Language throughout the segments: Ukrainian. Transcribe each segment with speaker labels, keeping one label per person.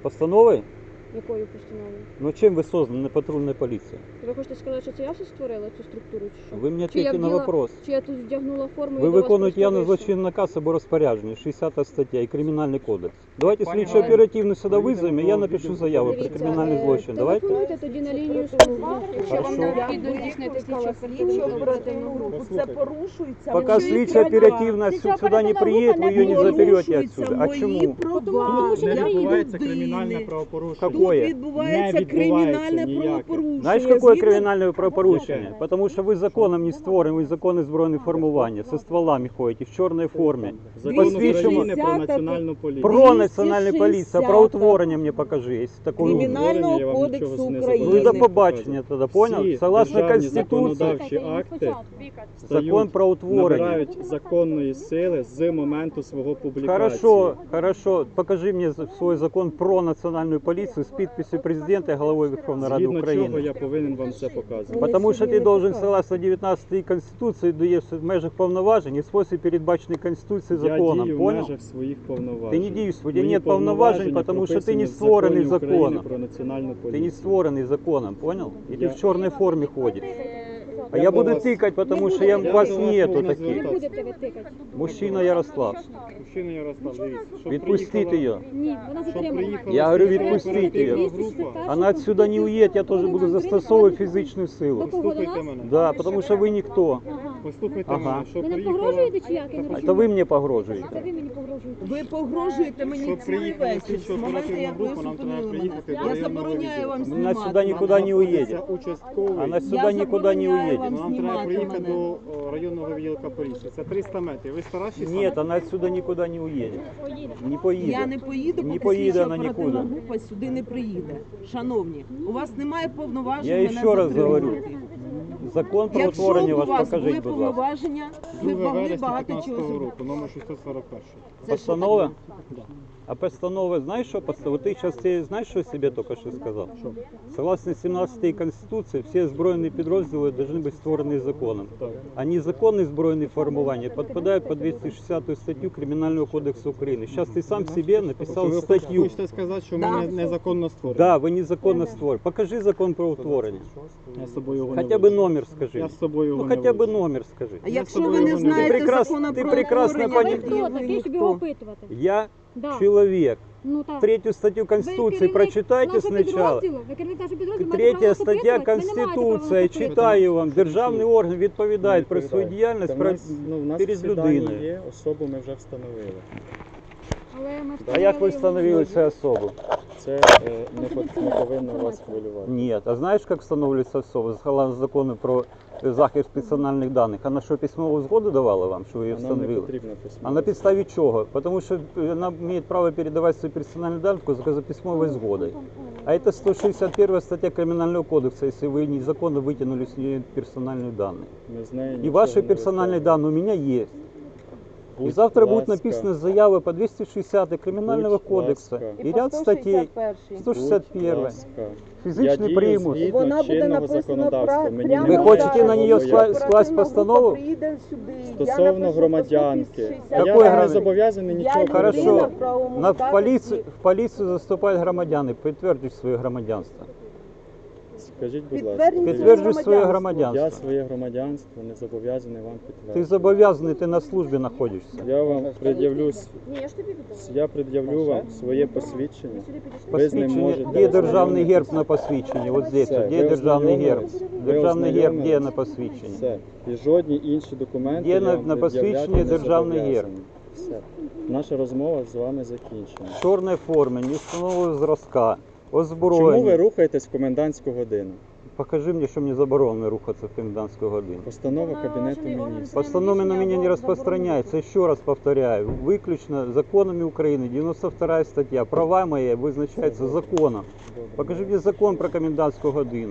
Speaker 1: Постановою?
Speaker 2: Якою постановою?
Speaker 1: Ну чим ви создана патрульна поліція?
Speaker 2: Ви хочете сказати, що це я все створила цю структуру, чи що?
Speaker 1: Ви мені
Speaker 2: Чи я
Speaker 1: ответьте на
Speaker 2: вділа-
Speaker 1: вопрос.
Speaker 2: Чи я тут вдягнула форму
Speaker 1: Ви
Speaker 2: і до вас
Speaker 1: виконуєте
Speaker 2: просто
Speaker 1: явно
Speaker 2: вийшла?
Speaker 1: злочинний наказ або розпорядження, 60 стаття і Кримінальний кодекс. Давайте
Speaker 3: Пані
Speaker 1: слідчо
Speaker 3: Галина,
Speaker 1: оперативно сюди
Speaker 3: поїдемо
Speaker 1: визовемо, і
Speaker 3: до
Speaker 1: я напишу заяву про
Speaker 2: Дивіться,
Speaker 1: кримінальний злочин. Давайте.
Speaker 2: телефонуйте тоді на лінію 102, якщо вам
Speaker 1: Хорошо.
Speaker 2: необхідно здійснити слідчо оперативну групу.
Speaker 4: Це порушується.
Speaker 1: Пока
Speaker 4: мої
Speaker 1: слідчо
Speaker 4: права.
Speaker 1: оперативно сюда не приедет, вы ее не заберете отсюда. А
Speaker 4: Мої
Speaker 1: чому?
Speaker 4: права.
Speaker 2: Тому що
Speaker 3: Не
Speaker 2: не
Speaker 3: відбувається
Speaker 4: людини.
Speaker 3: кримінальне правопорушення.
Speaker 4: Тут
Speaker 1: Какое?
Speaker 4: відбувається
Speaker 3: Не відбувається
Speaker 4: кримінальне
Speaker 3: ніяке.
Speaker 4: правопорушення.
Speaker 1: Знаєш, какое
Speaker 4: Згідно-
Speaker 1: кримінальне правопорушення? Потому що ви законом не створені, ви закони збройних формування, со стволами ходите, в чорній формі.
Speaker 3: Закон
Speaker 1: Посвідчимо.
Speaker 3: України про національну поліцію.
Speaker 1: Про національну поліцію,
Speaker 4: 260.
Speaker 1: про утворення мені покажи, якщо такого
Speaker 3: Кримінальне
Speaker 1: умний.
Speaker 4: Кримінального
Speaker 3: я вам
Speaker 4: кодексу
Speaker 3: нічого не
Speaker 4: України.
Speaker 1: Ну і до
Speaker 3: забороняю.
Speaker 1: побачення тоді, понял?
Speaker 3: Всі
Speaker 1: Согласно
Speaker 3: державні
Speaker 1: Конституції,
Speaker 3: законодавчі акти
Speaker 1: закон про утворення.
Speaker 3: набирають законної сили з моменту свого публікації.
Speaker 1: Хорошо, покажи мені свій закон про національну поліцію з підписью президента і головою Верховної Ради
Speaker 3: Згідно чого
Speaker 1: України.
Speaker 3: я повинен вам це показувати.
Speaker 1: Потому що
Speaker 4: собі
Speaker 1: ти
Speaker 4: не
Speaker 1: должен,
Speaker 4: показують.
Speaker 1: согласно 19 Конституції, даєш в межах повноважень і в спосіб передбачений Конституцією
Speaker 3: Я
Speaker 1: законом,
Speaker 3: дію в
Speaker 1: понял?
Speaker 3: межах своїх повноважень.
Speaker 1: Ти не дієш, у тебе
Speaker 3: Мої
Speaker 1: нет повноважень,
Speaker 3: повноваження
Speaker 1: потому що ти не
Speaker 3: прописані в
Speaker 1: створений
Speaker 3: Законі України
Speaker 1: законом.
Speaker 3: про національну
Speaker 1: Ты
Speaker 3: поліцію.
Speaker 1: не створений законом, понял? И ты
Speaker 3: Я-
Speaker 1: в черной форме ходишь. А
Speaker 3: Я
Speaker 1: я
Speaker 3: до
Speaker 1: буду
Speaker 3: вас-
Speaker 1: тыкать, потому что
Speaker 3: Я
Speaker 1: вас
Speaker 3: до вас
Speaker 1: нету
Speaker 3: можна
Speaker 1: таких.
Speaker 2: Не
Speaker 3: звертатися.
Speaker 2: будете ви тикати.
Speaker 1: Мужчина Ярослав,
Speaker 3: Мужчина Ярослав, дивіться, щоб
Speaker 1: відпустіть
Speaker 3: приїхала-
Speaker 1: ее.
Speaker 2: Ні, вона
Speaker 3: щоб
Speaker 2: затримана.
Speaker 3: приїхала
Speaker 1: Я говорю,
Speaker 3: слідча
Speaker 1: відпустіть
Speaker 3: оперативна
Speaker 1: її.
Speaker 3: група.
Speaker 1: Она отсюда не уедет, я тоже буду застосовывать физическую силу.
Speaker 3: Послухайте мене.
Speaker 1: Да, потому что вы никто.
Speaker 3: Послухайте
Speaker 1: Ага.
Speaker 3: мене, що
Speaker 2: Ви не
Speaker 3: приїхала...
Speaker 2: погрожуєте чи як? Я не
Speaker 1: А
Speaker 2: розумію.
Speaker 1: это вы мне
Speaker 2: Це
Speaker 1: погрожуете.
Speaker 2: ви мені погрожуєте.
Speaker 4: Ви погрожуєте мені
Speaker 3: Щоб
Speaker 4: цілий
Speaker 3: приїхала
Speaker 4: вечір.
Speaker 3: слідчо
Speaker 4: З моменту,
Speaker 3: оперативна
Speaker 4: як ви
Speaker 3: група, нам треба
Speaker 4: зупинили мене.
Speaker 3: приїхати до
Speaker 4: Я
Speaker 3: районного
Speaker 4: забороняю вам
Speaker 3: відділу.
Speaker 1: Вона
Speaker 4: знімати
Speaker 1: сюди нікуди
Speaker 4: мене.
Speaker 1: не уедет.
Speaker 3: Це участковий.
Speaker 1: Она сюда никуда не
Speaker 4: забороняю
Speaker 1: уедет.
Speaker 4: вам
Speaker 3: Нам треба
Speaker 4: знімати
Speaker 3: приїхати
Speaker 4: мене.
Speaker 3: до районного відділка поліції. Це 300 метрів. Ви старші?
Speaker 1: Нет, она отсюда никуда не уедет. Не поедет.
Speaker 4: Я не поїду,
Speaker 1: Не
Speaker 4: поки
Speaker 1: поїде
Speaker 4: слідча
Speaker 1: вона
Speaker 4: оперативна
Speaker 1: нікуди.
Speaker 4: група сюди не приїде. Шановні, у вас немає повноважень
Speaker 1: Я
Speaker 4: мене
Speaker 1: ще раз
Speaker 4: затримувати.
Speaker 1: говорю, Закон про
Speaker 4: Якщо
Speaker 1: утворення
Speaker 4: б у
Speaker 1: ваш
Speaker 4: вас були
Speaker 1: покажіть, будь ласка.
Speaker 4: повноваження, ви
Speaker 3: 2
Speaker 4: б могли
Speaker 3: вересня
Speaker 4: багато
Speaker 3: 15
Speaker 4: чого зробити.
Speaker 3: року, номер 641.
Speaker 4: Це
Speaker 1: Постанова?
Speaker 3: Да.
Speaker 1: А постанова, знаешь, что постанова? Ты сейчас знаешь, что себе только что сказал? Согласно 17 Конституции, все збройні підрозділи должны быть створені законом.
Speaker 3: Так.
Speaker 1: А незаконні збройні формування підпадають по 260 статтю Кримінального кодексу України. Сейчас ты сам себе написал
Speaker 3: Ви
Speaker 1: статтю.
Speaker 3: хочете сказати, що
Speaker 4: Да.
Speaker 3: ми незаконно створені?
Speaker 1: Да, ви незаконно створені. Покажи закон про утворення.
Speaker 3: Я з собою його не
Speaker 1: Хотя бы
Speaker 3: вивчу.
Speaker 1: номер скажи.
Speaker 3: Я з собою його
Speaker 1: Ну
Speaker 3: не
Speaker 1: хотя бы
Speaker 3: вивчу.
Speaker 1: номер скажи.
Speaker 4: А якщо
Speaker 3: собою
Speaker 4: ви не
Speaker 3: його не
Speaker 4: знаєте
Speaker 1: Ти прекрас-
Speaker 4: закону
Speaker 1: ти
Speaker 4: про
Speaker 1: прекрасно
Speaker 4: утворення,
Speaker 2: Ви
Speaker 1: поні-
Speaker 2: хто
Speaker 4: ви
Speaker 2: такий, щоб
Speaker 4: ніхто.
Speaker 2: його опитувати?
Speaker 1: Я
Speaker 2: Да.
Speaker 1: человек.
Speaker 2: Ну так.
Speaker 1: Третью статью Конституции прочитайте сначала. Третя стаття Конституції, читаю вам. Державний орган відповідає про свою діяльність
Speaker 3: Та в нас, в нас
Speaker 1: перед
Speaker 3: всі дані
Speaker 1: людиною.
Speaker 3: є, особу ми вже встановили.
Speaker 1: А як ви встановили цю особу?
Speaker 3: Це не повинно вас хвилювати.
Speaker 1: Ні. А знаєш, як встановлюється особа? Согласно закону про захист персональних даних. Вона що, письмову згоду давала вам, що ви її
Speaker 3: А нам не
Speaker 1: встановили?
Speaker 3: потрібно письмо.
Speaker 1: А на підставі чого? Тому що вона має право передавати свої персональні дані тільки за письмовою згодою. А це 161 стаття Кримінального кодексу, якщо ви незаконно витягнули з неї персональні дані.
Speaker 3: Ми з нею
Speaker 1: И
Speaker 3: нічого
Speaker 1: ваши
Speaker 3: не
Speaker 1: персональные
Speaker 3: витягуємо.
Speaker 1: данные у меня есть. И
Speaker 3: Будь
Speaker 1: завтра будет
Speaker 3: ласка.
Speaker 1: написана заява по 260 Криминального
Speaker 3: Будь
Speaker 1: кодекса
Speaker 3: ласка.
Speaker 1: и ряд статей. 161.
Speaker 3: Будь ласка. Я
Speaker 1: Физичный
Speaker 3: дію
Speaker 1: примус.
Speaker 3: згідно
Speaker 4: Вона буде
Speaker 3: чинного
Speaker 4: написана
Speaker 3: законодавства. Мені
Speaker 4: прямо
Speaker 1: Ви
Speaker 3: немає
Speaker 1: хочете
Speaker 3: чого
Speaker 1: на неї
Speaker 3: боятися.
Speaker 1: скласть постанову?
Speaker 4: Приїде сюди. Я
Speaker 3: Стосовно
Speaker 4: напишу
Speaker 3: громадянки.
Speaker 4: по 160.
Speaker 3: Я
Speaker 1: Какой
Speaker 3: вам не
Speaker 1: громадян?
Speaker 3: зобов'язаний нічого
Speaker 4: людина
Speaker 1: Хорошо.
Speaker 3: передавати.
Speaker 4: в правовому
Speaker 1: На
Speaker 4: статусі.
Speaker 1: в полицию заступают громадяне, підтвердіть своє громадянство.
Speaker 3: Скажіть, будь ласка.
Speaker 4: Підтвердіть
Speaker 1: Підтверджуй своє
Speaker 3: Я
Speaker 1: громадянство.
Speaker 3: своє громадянство не зобов'язаний вам
Speaker 1: Ти
Speaker 3: підтвердити.
Speaker 1: зобов'язаний, ти на службі знаходишся.
Speaker 3: Я вам пред'явлю,
Speaker 2: Ні, я ж тобі віддала.
Speaker 3: я пред'явлю вам своє посвідчення. Ви з ним
Speaker 1: Посвідчення,
Speaker 3: можете
Speaker 1: де державний
Speaker 3: ознайомитися.
Speaker 1: герб на посвідченні? От здесь,
Speaker 3: Все,
Speaker 1: де
Speaker 3: ви
Speaker 1: державний герб?
Speaker 3: ознайомились? Ви
Speaker 1: Державний герб де
Speaker 3: ознайомились?
Speaker 1: на посвідченні?
Speaker 3: Все. І жодні інші документи
Speaker 1: Є
Speaker 3: я
Speaker 1: на-
Speaker 3: вам
Speaker 1: на
Speaker 3: пред'являти
Speaker 1: посвідченні
Speaker 3: не
Speaker 1: державний герб.
Speaker 3: зобов'язаний. Все. Наша розмова з вами закінчена.
Speaker 1: В чорній формі, не встановленого зразка,
Speaker 3: Чому
Speaker 1: озброєння.
Speaker 3: ви рухаєтесь в комендантську годину?
Speaker 1: Покажи мне, что мне заборонено рухаться в комендантскую годину.
Speaker 3: Постанова Кабінету Міністрів.
Speaker 1: Постанова на меня не распространяется. Еще раз повторяю, выключно законами Украины, 92 статья. Права мои вызначаются законом. Покажи мне закон про комендантскую годину.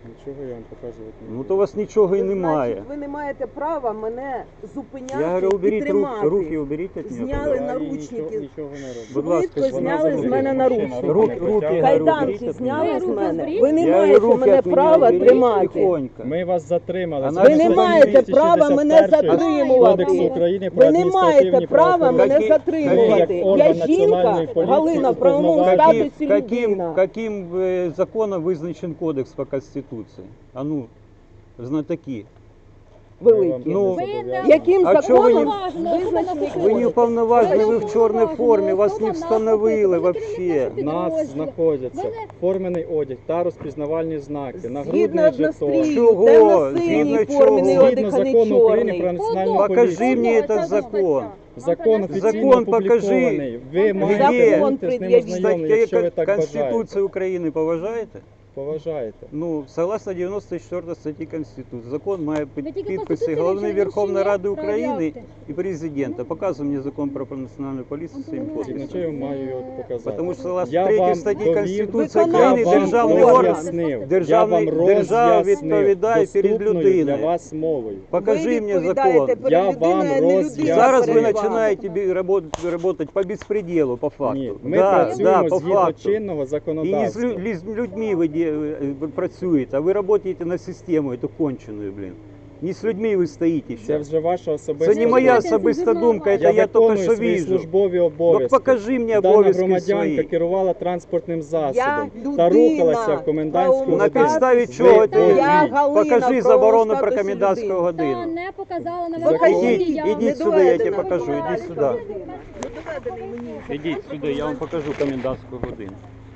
Speaker 3: Нічого я вам показувати не
Speaker 1: Ну
Speaker 3: буду.
Speaker 1: то у вас нічого і немає.
Speaker 4: Значить, ви не маєте права мене зупиняти
Speaker 1: Я говорю,
Speaker 4: і
Speaker 1: уберіть
Speaker 4: тримати.
Speaker 1: руки уберіть від мене.
Speaker 4: Зняли
Speaker 3: Я їй
Speaker 4: наручники.
Speaker 3: нічого не роблю.
Speaker 1: Будь ласка,
Speaker 4: Швидко
Speaker 1: вона
Speaker 4: зняли з
Speaker 1: заберіть.
Speaker 4: мене наручники.
Speaker 1: Руки, говорю,
Speaker 4: Кайданки
Speaker 1: уберіть
Speaker 4: зняли
Speaker 1: від
Speaker 4: з
Speaker 1: мене.
Speaker 4: мене. Ви не
Speaker 1: Я говорю,
Speaker 4: маєте
Speaker 1: руки
Speaker 4: мене
Speaker 1: від мене
Speaker 4: права
Speaker 1: уберіть
Speaker 4: тримати.
Speaker 1: тихонько.
Speaker 3: Ми вас затримали.
Speaker 1: Ви
Speaker 3: Згідно
Speaker 1: не
Speaker 3: статті
Speaker 1: маєте
Speaker 4: права мене
Speaker 3: 261
Speaker 4: затримувати.
Speaker 3: Кодексу України про
Speaker 4: Ви не маєте
Speaker 3: адміністративні
Speaker 4: права мене
Speaker 3: правопорушення.
Speaker 4: затримувати.
Speaker 3: Як
Speaker 4: Я
Speaker 3: орган
Speaker 4: жінка,
Speaker 3: Національної поліції
Speaker 4: Галина, в правовому
Speaker 3: уповноважений.
Speaker 4: статусі людина.
Speaker 1: Каким законом визначен кодекс по Конституції? А ну, знатоки.
Speaker 4: Великі.
Speaker 1: Ну,
Speaker 4: Яким
Speaker 1: А чого ви не-
Speaker 4: законом визначений
Speaker 1: Ви не
Speaker 4: кодекс?
Speaker 1: уповноважені, ви в чорній формі, вас не встановили вообще.
Speaker 3: В нас знаходяться формений одяг та розпізнавальні знаки,
Speaker 4: Згідно
Speaker 3: нагрудний жетон.
Speaker 4: однострій,
Speaker 1: Чого?
Speaker 4: темно-синій
Speaker 1: Згідно
Speaker 4: формений
Speaker 1: чого?
Speaker 4: одяг,
Speaker 3: Згідно
Speaker 4: а не
Speaker 3: закону України про
Speaker 4: чорний.
Speaker 3: національну
Speaker 1: Покажи
Speaker 3: поліцію.
Speaker 1: мені этот закон.
Speaker 3: Закон офіційно
Speaker 1: Закон покажи.
Speaker 3: опублікований. Ви маєте
Speaker 4: Закон
Speaker 3: бути з ним
Speaker 4: пред'явіть.
Speaker 3: ознайомлені, якщо ви так
Speaker 1: Конституцію
Speaker 3: бажаєте.
Speaker 1: України поважаєте?
Speaker 3: Поважаєте.
Speaker 1: Ну, согласно 94 статті Конституції, закон має
Speaker 2: Ви тільки
Speaker 1: підписи
Speaker 2: Конституцію
Speaker 1: Головної
Speaker 2: вивчили,
Speaker 1: Верховної
Speaker 2: чи ні?
Speaker 1: Ради України
Speaker 2: Проявляйте.
Speaker 1: і президента. Показуй мені закон про національну поліцію своїм
Speaker 3: Згідно
Speaker 1: подписом.
Speaker 3: чого я маю його показати.
Speaker 1: Тому що согласно
Speaker 3: Я
Speaker 1: 3
Speaker 3: вам
Speaker 1: статті
Speaker 3: довів,
Speaker 1: Конституції
Speaker 4: я
Speaker 1: України
Speaker 4: вам
Speaker 1: державний орган,
Speaker 3: роз'яснив.
Speaker 1: держава відповідає перед
Speaker 3: доступною для
Speaker 1: людиною.
Speaker 3: вас мовою.
Speaker 1: Покажи
Speaker 4: Ви
Speaker 1: мені
Speaker 4: відповідаєте
Speaker 1: закон.
Speaker 4: перед
Speaker 3: Я вам
Speaker 4: людиною, а не
Speaker 3: роз'ясню.
Speaker 4: людина
Speaker 1: Зараз ви
Speaker 4: перед вами.
Speaker 1: починаєте работать по безпределу, по факту.
Speaker 3: Ні, ми
Speaker 1: Да,
Speaker 3: працюємо
Speaker 1: по
Speaker 3: згідно
Speaker 1: факту.
Speaker 3: чинного
Speaker 1: І не з
Speaker 3: законодавства.
Speaker 1: людьми ви працюєте, а ви працюєте на систему, эту конченую, блин. Не з людьми ви стоїте
Speaker 3: Це
Speaker 1: ще.
Speaker 3: вже ваша особиста
Speaker 1: Це не моя
Speaker 3: думка.
Speaker 1: особиста думка,
Speaker 3: Я
Speaker 1: це я тільки
Speaker 3: виконую
Speaker 1: що
Speaker 3: свої
Speaker 1: вижу.
Speaker 3: службові
Speaker 1: Ну
Speaker 3: обов'язки.
Speaker 1: покажи мені
Speaker 3: Дана
Speaker 1: обов'язки
Speaker 3: громадянка
Speaker 1: свої.
Speaker 3: керувала транспортним засобом
Speaker 4: Я
Speaker 3: та
Speaker 4: людина
Speaker 3: рухалася в комендантську
Speaker 4: правовому
Speaker 1: На
Speaker 3: годину.
Speaker 1: підставі
Speaker 4: статусі.
Speaker 1: чого
Speaker 3: Ви
Speaker 1: ти?
Speaker 4: Я
Speaker 3: повинні.
Speaker 4: Галина,
Speaker 1: Покажи
Speaker 4: в
Speaker 1: заборону
Speaker 4: правовому
Speaker 1: про
Speaker 4: статусі
Speaker 1: комендантську
Speaker 4: людини.
Speaker 1: годину.
Speaker 2: Та не показала на
Speaker 1: Заходіть,
Speaker 2: відео.
Speaker 1: ідіть
Speaker 4: Не
Speaker 1: сюди, я тебе
Speaker 4: доведено
Speaker 1: покажу, ідіть
Speaker 4: комендантська
Speaker 1: сюди.
Speaker 4: година. Не доведений мені.
Speaker 1: Ідіть сюди, я вам покажу комендантську годину.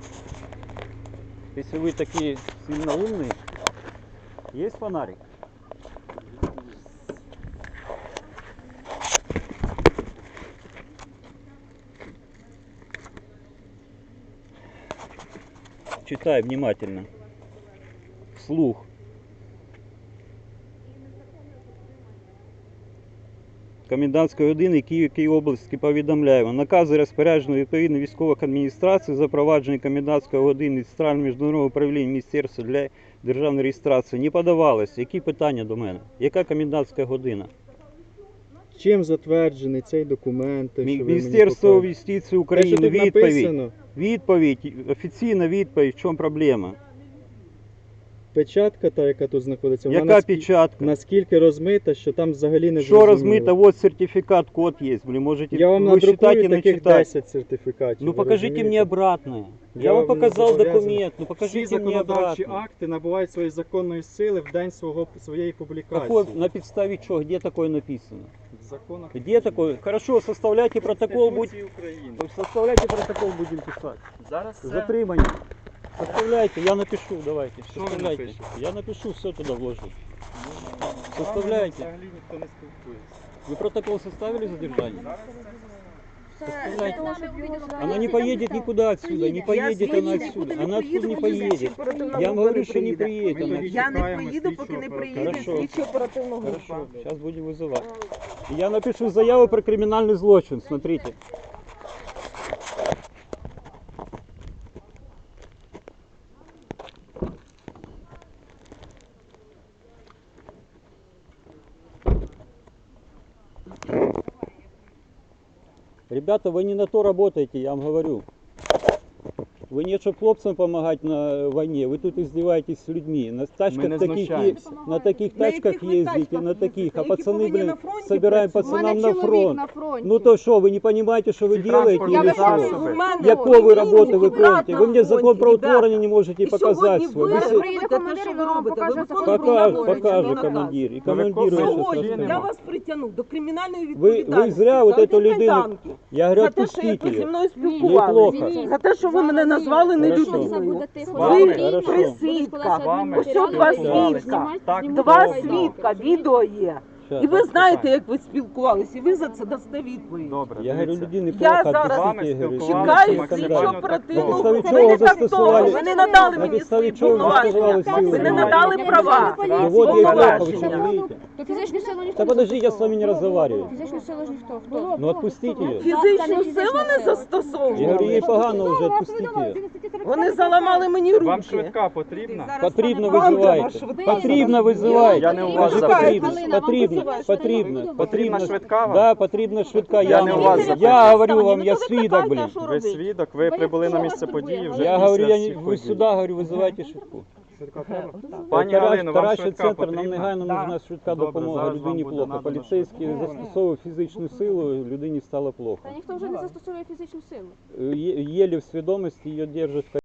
Speaker 1: Якщо ви такі сильно умні, є фонарик? Читай внимательно. Вслух. Комендантської години Київської області повідомляємо. Накази розпорядження відповідно військових адміністрацій запровадження комендантської години Центрального міжнародного управління Міністерства для державної реєстрації не подавалося. Які питання до мене? Яка комендантська година?
Speaker 3: Чим затверджений цей документ? що ви мені
Speaker 1: Міністерство
Speaker 3: показуєте?
Speaker 1: юстиції
Speaker 3: Те, що
Speaker 1: України,
Speaker 3: тут
Speaker 1: відповідь.
Speaker 3: написано,
Speaker 1: Відповідь, офіційна відповідь, в чому проблема?
Speaker 3: печатка та, яка тут знаходиться, вона
Speaker 1: Яка печатка?
Speaker 3: наскільки розмита, що там взагалі не
Speaker 1: Що
Speaker 3: зрозуміло.
Speaker 1: розмито? Вот сертифікат, код є. Блин, можете
Speaker 3: Я вам
Speaker 1: ви читати
Speaker 3: надрукую
Speaker 1: і не
Speaker 3: таких
Speaker 1: читати.
Speaker 3: 10 сертифікатів.
Speaker 1: Ну
Speaker 3: ви
Speaker 1: покажите
Speaker 3: розумієте?
Speaker 1: мне обратное. Я
Speaker 3: Я
Speaker 1: вам
Speaker 3: вам не
Speaker 1: показал
Speaker 3: зобов'язаний.
Speaker 1: документ, ну
Speaker 3: Всі
Speaker 1: покажите мне
Speaker 3: законодавчі
Speaker 1: обратно.
Speaker 3: акти набувають своєї законної сили в день своєї публікації.
Speaker 1: Какой, на підставі чого? Где такое написано?
Speaker 3: В законах
Speaker 1: Где такое? Хорошо, составляйте протокол,
Speaker 3: Конституції України.
Speaker 1: составляйте протокол, будем писать.
Speaker 3: Зараз все.
Speaker 1: Затримання. Составляйте, я напишу, давайте.
Speaker 3: Що ви
Speaker 1: Составляйте.
Speaker 3: напишете?
Speaker 1: Я напишу, все туда вложу.
Speaker 3: З вами
Speaker 1: Составляйте.
Speaker 3: Взагалі ніхто не спілкується.
Speaker 1: Вы протокол составили задержание?
Speaker 2: Составляйте.
Speaker 1: Она не поедет никуда отсюда, не поедет она отсюда. Она отсюда не поедет. Я вам говорю, что не приедет она.
Speaker 4: Я не поїду, поки не приїде
Speaker 1: Хорошо.
Speaker 4: слідчо оперативна група.
Speaker 1: Хорошо, сейчас будем вызывать. Я напишу заяву про криминальный злочин, смотрите. Ребята, вы не на то работаете, я вам говорю. Вы не чтобы хлопцам помогать на войне, вы тут издеваетесь с людьми. На тачках
Speaker 3: не
Speaker 1: таких,
Speaker 3: знущаемся.
Speaker 1: на таких
Speaker 4: На
Speaker 1: тачках
Speaker 4: яких ви
Speaker 1: ездите,
Speaker 4: тачках
Speaker 1: на таких,
Speaker 4: їздите?
Speaker 1: а
Speaker 4: Які
Speaker 1: пацаны,
Speaker 4: повинні
Speaker 1: блин,
Speaker 4: на фронті
Speaker 1: собираем
Speaker 4: працювати?
Speaker 1: пацанам на фронт.
Speaker 2: на фронті.
Speaker 1: Ну то что, вы не понимаете, что вы делаете
Speaker 3: Я
Speaker 1: или
Speaker 3: вважаю,
Speaker 1: что?
Speaker 3: що
Speaker 4: У мене
Speaker 1: Якого ви роботи
Speaker 4: племінник,
Speaker 1: виконуєте? Ви мені
Speaker 4: брат на
Speaker 1: закон про
Speaker 4: фронті,
Speaker 1: утворення
Speaker 4: ребята.
Speaker 1: не можете
Speaker 4: І
Speaker 1: показати
Speaker 4: сьогодні
Speaker 1: свій.
Speaker 4: ви
Speaker 1: Ви се-
Speaker 4: робите те, що ви робите. Ви виконуєте
Speaker 1: покаже
Speaker 4: наказ.
Speaker 1: командир. І
Speaker 3: Ну,
Speaker 1: командиру
Speaker 3: ви
Speaker 1: я
Speaker 3: кого
Speaker 1: щас
Speaker 3: є,
Speaker 1: розкажу.
Speaker 4: Я вас притягну до кримінальної
Speaker 1: Ви
Speaker 4: відповідальності.
Speaker 1: зря вот
Speaker 4: за
Speaker 1: эту
Speaker 4: одні
Speaker 1: людину,
Speaker 4: кайданки.
Speaker 1: я говорю,
Speaker 4: За те, що
Speaker 1: отпустите
Speaker 4: як ви зі
Speaker 1: ее.
Speaker 4: мною
Speaker 1: Неплохо.
Speaker 4: спілкувалися. За те, що ви мене назвали не
Speaker 1: Хорошо.
Speaker 4: людиною.
Speaker 3: вами?
Speaker 4: Ви
Speaker 1: Хорошо.
Speaker 4: три свідка.
Speaker 3: вами
Speaker 4: Ось два
Speaker 3: спілкувалися.
Speaker 4: свідка.
Speaker 3: Так,
Speaker 4: Два
Speaker 3: добре.
Speaker 4: свідка, відео є.
Speaker 1: Щас.
Speaker 4: І ви знаєте, як ви спілкувалися, і ви за це дасте відповідь.
Speaker 3: Добре,
Speaker 1: Я говорю,
Speaker 3: дивіться.
Speaker 1: людини
Speaker 4: Я
Speaker 1: плохо,
Speaker 4: зараз
Speaker 1: отпустите, я говорю.
Speaker 3: спілкувалися
Speaker 4: Чекаю
Speaker 3: максимально
Speaker 4: слідчо
Speaker 3: так
Speaker 4: оперативну
Speaker 3: довго.
Speaker 1: На підставі
Speaker 4: групу.
Speaker 1: чого
Speaker 4: Ви не так
Speaker 1: застосували?
Speaker 4: довго, ви не надали
Speaker 1: На
Speaker 4: мені
Speaker 1: підставі
Speaker 4: свої
Speaker 1: чого
Speaker 4: повноваження.
Speaker 1: застосували
Speaker 4: Ви не
Speaker 1: силу?
Speaker 4: надали права.
Speaker 1: Ну вот я и плохо, вы что
Speaker 4: Повноваження.
Speaker 1: не видите?
Speaker 2: То фізичну силу ніхто
Speaker 1: Да
Speaker 2: не
Speaker 1: подожди, я
Speaker 2: застосовував.
Speaker 1: с вами не разговариваю.
Speaker 2: Фізичну силу ж ніхто. Хто?
Speaker 1: Ну отпустите ее.
Speaker 4: Фізичну силу не
Speaker 1: Я говорю, ей
Speaker 4: застосовували.
Speaker 1: погано уже, отпустите ее.
Speaker 4: Вони заламали мені руки.
Speaker 3: Вам швидка потрібна?
Speaker 1: Потрібно
Speaker 4: Вам треба
Speaker 1: визивайте.
Speaker 4: швидка.
Speaker 1: Потрібно визивайте.
Speaker 3: Я не у вас
Speaker 1: Кажу,
Speaker 3: запитую.
Speaker 1: потрібно,
Speaker 2: Галина,
Speaker 1: потрібно,
Speaker 2: вам
Speaker 1: потрібно,
Speaker 2: потрібна
Speaker 1: потрібно.
Speaker 3: швидка вам?
Speaker 1: Да, потрібна швидка.
Speaker 3: Я не у вас запитую.
Speaker 1: Я говорю вам, я свідок, блін.
Speaker 3: Ви свідок, ви прибули на місце події вже
Speaker 1: Я
Speaker 3: після
Speaker 1: говорю,
Speaker 3: всіх
Speaker 1: ви
Speaker 3: подій.
Speaker 1: сюди, говорю, визивайте швидку.
Speaker 3: Пані Галино, вам
Speaker 1: Таращий
Speaker 3: швидка
Speaker 1: центр, нам
Speaker 3: потрібна?
Speaker 1: негайно нужна швидка
Speaker 3: Добре,
Speaker 1: допомога.
Speaker 3: зараз вам
Speaker 1: Людині
Speaker 3: буде
Speaker 1: плохо.
Speaker 3: надано
Speaker 1: Поліцейський
Speaker 3: швидку.
Speaker 1: застосовував фізичну силу, людині стало плохо.
Speaker 2: Та ніхто вже не застосовує фізичну силу.
Speaker 1: Єлі в свідомості її держать.